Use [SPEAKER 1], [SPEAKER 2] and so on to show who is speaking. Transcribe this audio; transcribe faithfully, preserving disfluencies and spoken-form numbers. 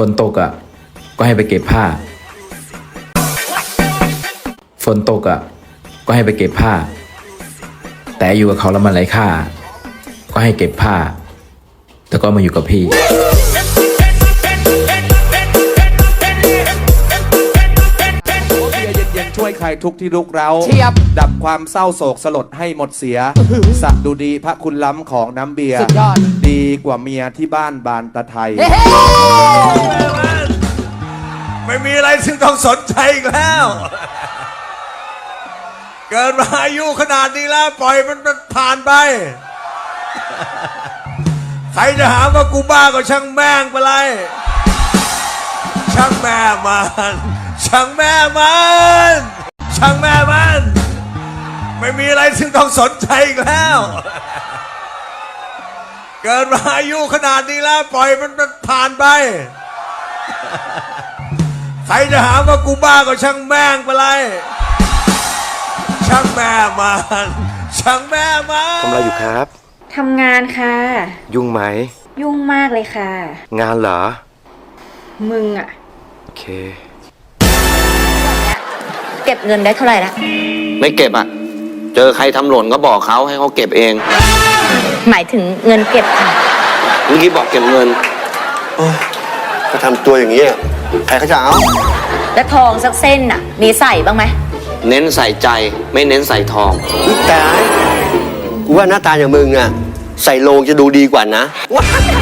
[SPEAKER 1] ฝนตกอ่ะก็ให้ไปเก็บผ้าฝนตกอ่ะก็ให้ไปเก็บผ้าแต่อยู่กับเขาแล้วมันไร้ค่าก็ให้เก็บผ้าแต่ก็มาอยู่กับพี่
[SPEAKER 2] เย็นๆช่วยใครทุกที่ลุกเร้าดับความเศร้าโศกสลดให้หมดเสียสักดูดีพระคุณล้ำของน้ำเบียร์ดีกว่าเมียที่บ้านบานตะไทย
[SPEAKER 3] ไม่มีอะไรซึ่งต้องสนใจอีกแล้ว เกิดมาอายุขนาดนี้แล้วปล่อยมันผ่านไป ใครจะหาว่ากูบ้าก็ช่างแม่งไปเลยช่างแม่มันช่างแม่มันช่างแม่มันไม่มีอะไรซึ่งต้องสนใจอีกแล้ว เกิดมาอายุขนาดนี้แล้วปล่อยมันผ่านไป ใครจะหาว่ากูบ้าก็ช่างแม่งไปเลยช่างแม่มันช่างแม่มัน
[SPEAKER 4] ทำอะไรอยู่ครับ
[SPEAKER 5] ทำงานค่ะ
[SPEAKER 4] ยุ่งไหม
[SPEAKER 5] ยุ่งมากเลยค่ะ
[SPEAKER 4] งานเหรอ
[SPEAKER 5] มึงอะ
[SPEAKER 4] โอเค
[SPEAKER 5] เก็บเงินได้เท่าไหร่ละ
[SPEAKER 6] ไม่เก็บอ่ะเจอใครทำหล่นก็บอกเขาให้เขาเก็บเอง
[SPEAKER 5] หมายถึงเงินเก็บค่ะ
[SPEAKER 6] เมื่อกี้บอกเก็บเงิน
[SPEAKER 4] ก็ทำตัวอย่างนี้ใครเขาจะเอา
[SPEAKER 5] แล้วทองสักเส้นน่ะมีใส่บ้างไหม
[SPEAKER 6] เน้นใส่ใจไม่เน้นใส่ทอง
[SPEAKER 4] แต่กูว่าหน้าตาอย่างมึงอ่ะใส่โลงจะดูดีกว่านะ